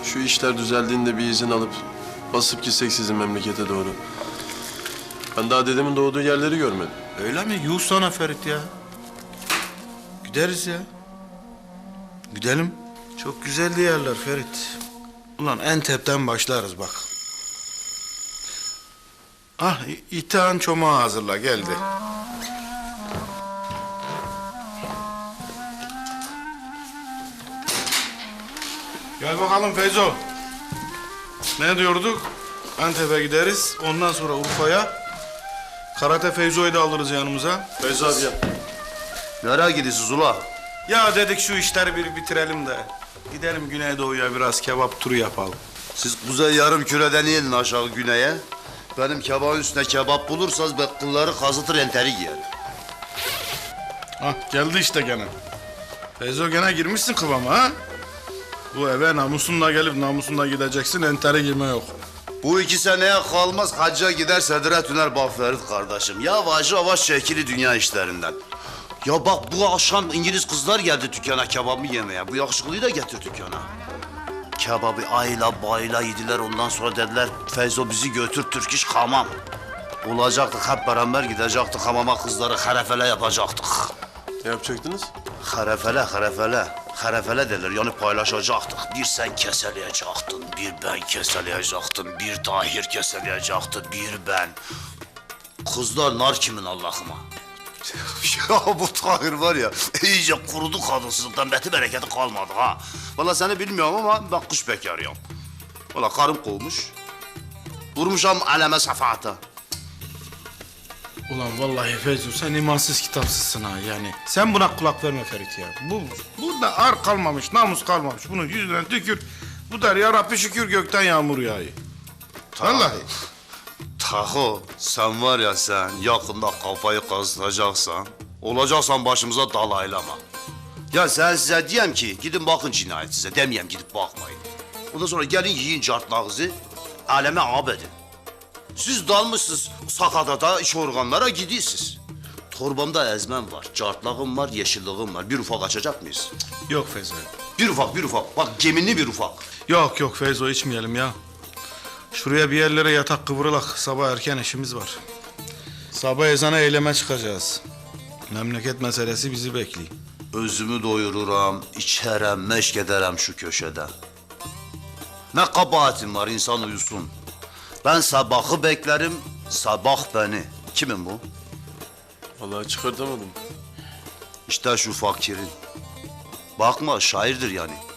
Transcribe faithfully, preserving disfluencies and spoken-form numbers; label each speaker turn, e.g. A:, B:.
A: Şu işler düzeldiğinde bir izin alıp basıp gitsek sizin memlekete doğru. Ben daha dedemin doğduğu yerleri görmedim.
B: Öyle mi? Yuh sana Ferit ya. Gideriz ya. Gidelim. Çok güzeldi yerler Ferit. Ulan Entep'ten başlarız bak. Ah, İ- İtihan çomağı hazırla, geldi. Gel bakalım Feyzo. Ne diyorduk? Antep'e gideriz. Ondan sonra Urfa'ya. Karate Feyzo'yu da alırız yanımıza.
A: Feyzo abi ya.
C: Nereye gidiyorsunuz ula?
B: Ya dedik şu işleri bir bitirelim de. Gidelim Güneydoğu'ya biraz kebap turu yapalım.
C: Siz kuzey yarım küreden inin aşağı güneye. Benim kebabın üstüne kebap bulursanız ben kılları kazıtır enteri giyer.
B: Hah, geldi işte gene. Feyzo gene girmişsin kıvama ha? Bu eve namusunla gelip namusunla gideceksin, entere girme yok.
C: Bu iki seneye kalmaz hacca gider Sedire Tüner Bafferit kardeşim. Yavaş yavaş çekili dünya işlerinden. Ya bak bu akşam İngiliz kızlar geldi dükkana kebabı yemeye. Bu yakışıklıyı da getir dükkana. Kebabı ayla bayla yediler, ondan sonra dediler Feyzo bizi götür Türk iş hamam. Olacaktık hep beraber gidecektik hamama, kızları harefele yapacaktık.
A: Ne yapacaktınız?
C: Harefele, harefele. Harefele derler, yani paylaşacaktık. Bir sen keseleyecektin, bir ben keseleyecektim, bir Tahir keseleyecekti, bir ben. Kızlar nar kimin Allah'ıma? Ya bu Tahir var ya, iyice kurudu kadınsızlıktan, beti bereketi kalmadı ha. Vallahi seni bilmiyorum ama ben kış bekarıyım. Vallahi karım kovmuş. Vurmuşam aleme safahata.
B: Ulan vallahi Feyzo sen imansız kitapsızsın ha yani. Sen buna kulak verme Ferit ya. Bu, burada ar kalmamış, namus kalmamış. Bunun yüzüne tükür. Bu der ya Rabbi şükür gökten yağmur yağıyor. Vallahi.
C: Taho, sen var ya sen yakında kafayı kazıtacaksan, olacaksan başımıza dalaylama. Ya sen size diyeyim ki gidin bakın cinayet size, demeyeyim gidip bakmayın. Ondan sonra gelin yiyin cartlağınızı, aleme abedin. Siz dalmışsınız sakadada iş organlara gidiyorsunuz. Torbamda ezmem var, cartlağım var, yeşilliğim var. Bir ufak açacak mıyız?
B: Yok Feyzo.
C: Bir ufak, bir ufak. Bak geminli bir ufak.
B: Yok yok Feyzo içmeyelim ya. Şuraya bir yerlere yatak kıvrılak. Sabah erken işimiz var. Sabah ezana eyleme çıkacağız. Memleket meselesi bizi bekliyor.
C: Özümü doyururam, içerem, meşk ederem şu köşede. Ne kabahatim var, insan uyusun. Ben sabahı beklerim, sabah beni. Kimin bu?
A: Vallahi çıkartamadım.
C: İşte şu fakirin. Bakma şairdir yani.